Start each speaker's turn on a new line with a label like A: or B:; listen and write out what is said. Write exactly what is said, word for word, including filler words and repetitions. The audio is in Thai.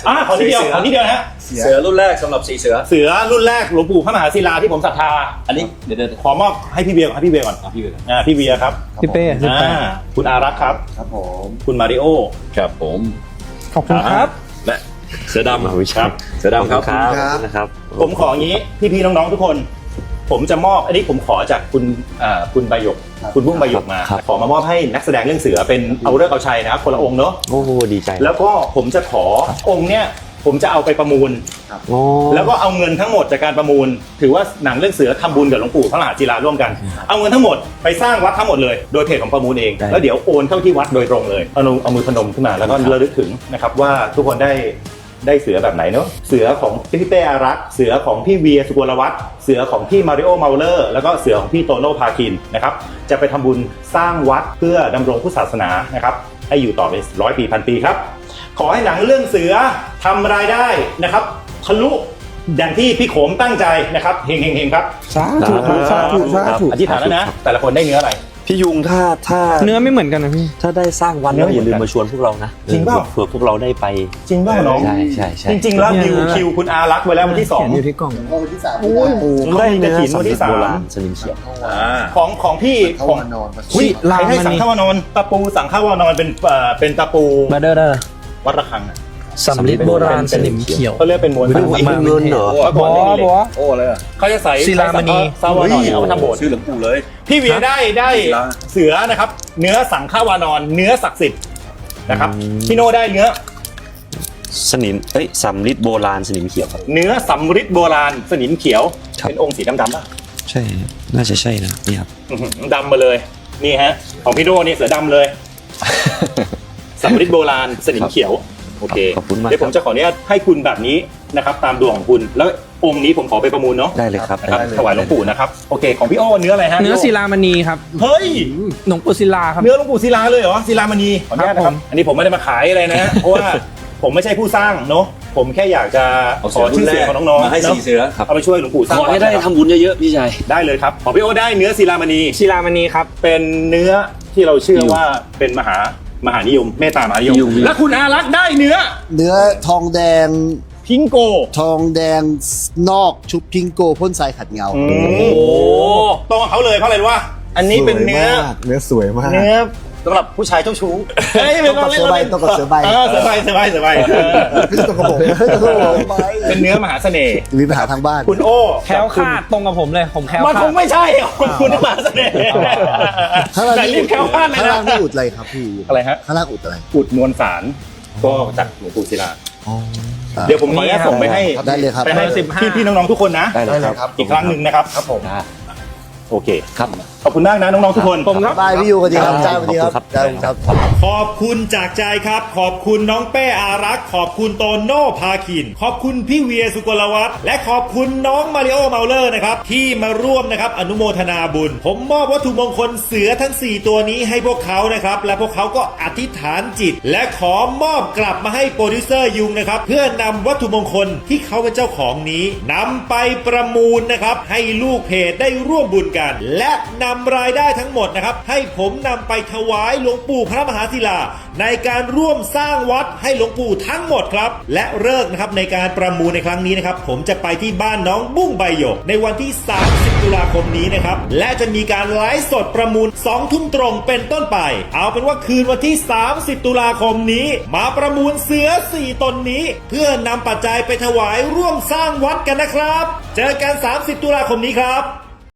A: อ่าขอนิดเดียวขอนิดเดียวนะฮะ
B: เสือรุ่นแรกสำหรับสีเสือ
A: เสือรุ่นแรกหลวงปู่พระมหาศิลาที่ผมศรัทธาอันนี้เดี๋ยวขอมอบให้พี่เบียร์ก่อนให้พี่เบียร์ก่อนพี่เบียร์อ่าพี่เบียร์ครับ
C: พี่เป้พี่เป้
A: คุณอารักษ์ครับ
B: ครับผม
A: คุณมาริโอ
B: ครับผม
C: ขอบคุณครับ
B: และเสือดำ
A: ครับ
B: เสือดำครับ
D: นะครับ
A: ผมขออย่างนี้พี่ๆน้องๆทุกคนผมจะมอบอันนี้ผมขอจากคุณอ่าคุณใบหยกคุณบุ้งใบหยกมาขอมามอบให้นักแสดงเรื่องเสือเป็นเอาเลิกเอาชัยนะครับคนละองค์เนาะ
D: โอ้โหดีใจ
A: แล้วก็ผมจะขอองค์เนี้ยผมจะเอาไปประมูลแล้วก็เอาเงินทั้งหมดจากการประมูลถือว่าหนังเรื่องเสือทำบุญกับหลวงปู่พระมหาศิลาร่วมกันเอาเงินทั้งหมดไปสร้างวัดทั้งหมดเลยโดยเพจของประมูลเองแล้วเดี๋ยวโอนเข้าที่วัดโดยตรงเลยเอาเอามือพนมขึ้นมาแล้วก็ระลึกถึงนะครับว่าทุกคนได้ได้เสือแบบไหนเนาะเสือของพี่เป้อารักษ์เสือของพี่เวียสุกลวัฒน์เสือของพี่มาริโอเมาเลอร์แล้วก็เสือของพี่โตโน่พาคินนะครับจะไปทำบุญสร้างวัดเพื่อดำรงพุทธศาสนานะครับให้อยู่ต่อไปร้อยปีพันปีครับขอให้หนังเรื่องเสือทำรายได้นะครับทะลุอย่างที่พี่โขมตั้งใจนะครับเฮงเฮงเฮงครับ
C: สาธุสาธุสาธุ
A: อธิษฐานแล้วนะแต่ละคนได้เนื้ออะไร
D: พี่ยุงถ้าถ้า
C: เนื้อไม่เหมือนกันนะพี่
D: ถ้าได้สร้างวันแล้วอย่าลืมมาชวนพวกเรานะ
A: จริงเปล่า
D: เผื่อพวกเราได้ไป
A: จริงเปล่าน้อง
D: ใช่ใช่ใช่
A: จริงๆแล้วคิวคิวคุณอารักษ์ไว้แล้ววันที่สอง
C: อยู่ที่กล่อง
E: วันที่สาม
D: ได้เนื้อวันที่สามสนิมเขียว
A: ของของพี่ของ
C: อุ้ยลาย
A: ให้สังฆวานอนตะปูสังฆวานอนเป็นเป็นตะปู
C: มาเด้อเด้อ
A: วัดระฆัง
C: สำริดโบราณสนิมเขียว
A: เขาเรียกเป็นมวลสาร
D: เงินเหรอ
A: ก่อนได้เลย
B: โอ้เลย
A: เขาจะใส่
C: ศิลามณี
A: ซาวานอนเอามาทำโบสถ์
B: ชื่อหลวงปู่เลย
A: พี่เวียได้ได้เสือนะครับเนื้อสังฆวานอนเนื้อศักดิ์สิทธิ์นะครับพี่โน่ได้เนื้อ
D: สนิมเอ้ยสำริดโบราณสนิมเขียวครับ
A: เนื้อสำริดโบราณสนิมเขียวเป็นองค์สีดำๆป่ะ
D: ใช่น่าจะใช่นะนี่ครับ
A: ดำมาเลยนี่ฮะของพี่โน่นี่เสือดำเลยสำริดโบราณสนิมเขียวโอเคเดี๋ยวผมจะขออนุญาตให้คุณแบบนี้นะครับตามดวงของคุณแล้วองค์นี้ผมขอไปประมูลเนาะ
D: ได้เลยครับ
A: ถวายหลวงปู่นะครับโอเคของพี่โอ้เนื้ออะไรฮะ
C: เนื้อศิลามณีครับ
A: เฮ้ย
C: หลวงปู่ศิลาครับ
A: เนื้อหลวงปู่ศิลาเลยเหรอศิลามณีขออนุญาตนะครับอันนี้ผมไม่ได้มาขายอะไรนะเพราะว่าผมไม่ใช่ผู้สร้างเนาะผมแค่อยากจะขอชื่อเสียงของน้องๆ
B: มาให้สีเสือ
A: เอาไปช่วยหลวงปู่สร้าง
D: ขอให้ได้ทำบุญเยอะๆพี่ชาย
A: ได้เลยครับของพี่โอ้ได้เนื้อศิลามณี
C: ศิลามณีครับ
A: เป็นเนื้อที่เราเชื่อว่าเป็นมหามหานิยมเมตตามหานิยมและคุณอารักษ์ได้เนื้อ
E: เนื้อทองแดง
A: พิงโก
E: ทองแดงนอกชุบพิงโกพ่นทรายขัดเงา
A: โอ้โหตรงเขาเลยเพราะอะไรว่าอันนี้เป็นเนื้อ
E: เนื้อสวยมาก
A: เนื้อสำหรับผู้ชายเจ้าชู้
E: ต้องกับเสือใบต้องกับเสือใบ
A: เออเสือใบเสือใบเสือใบ
E: ไม่ต้องกับผม
A: เป็นเนื้อมหาเสน่ห์
E: มีปัญหาทางบ้าน
A: คุณโอ้
C: แคล้วคลาดตรงกับผมเลยผมแคล้วคลาด
A: มันคงไม่ใช่คุณมหาเสน่ห์แต่รีบแคล้วคลาดเลยนะ
E: ข้างล่างนี่อุดอะไรครับพี่
A: อะไรฮะ
E: ข้างล่างอุดอะไร
A: อุดมวลสารก็จากหลวงปู่ศิลาเดี๋ยวผมขออนุญาตส่งไปให้
E: ได้เลยครับ
A: ไปให้พี่พี่น้องๆทุกคนนะ
D: ได้เลยครับ
A: อีกครั้งหนึ่งนะครับครับผมโอเค
D: ครับ
A: ขอบคุณมากนะน้องๆทุกคน
E: ผมครับบายพี่ยูกันดีครับจ้าสวัสดีครับ
A: ครับขอบคุณจากใจครับขอบคุณน้องเป้อารักษ์ขอบคุณโตโน่พาคินขอบคุณพี่เวียสุกลวัฒน์และขอบคุณน้องมาริโอเมาเลอร์นะครับที่มาร่วมนะครับอนุโมทนาบุญผมมอบวัตถุมงคลเสือทั้งสี่ตัวนี้ให้พวกเขานะครับและพวกเขาก็อธิษฐานจิตและขอมอบกลับมาให้โปรดิวเซอร์ยุงนะครับเพื่อนำวัตถุมงคลที่เขาเป็นเจ้าของนี้นำไปประมูลนะครับให้ลูกเพจได้ร่วมบุญกันและนำรายได้ทั้งหมดนะครับให้ผมนำไปถวายหลวงปู่พระมหาศิลาในการร่วมสร้างวัดให้หลวงปู่ทั้งหมดครับและเลิกนะครับในการประมูลในครั้งนี้นะครับผมจะไปที่บ้านน้องบุ้งใบหยกในวันที่สามสิบตุลาคมนี้นะครับและจะมีการไลฟ์สดประมูลสองทุ่มตรงเป็นต้นไปเอาเป็นว่าคืนวันที่สามสิบตุลาคมนี้มาประมูลเสือสี่ตนนี้เพื่อนำปัจจัยไปถวายร่วมสร้างวัดกันนะครับเจอกันสามสิบตุลาคมนี้ครับ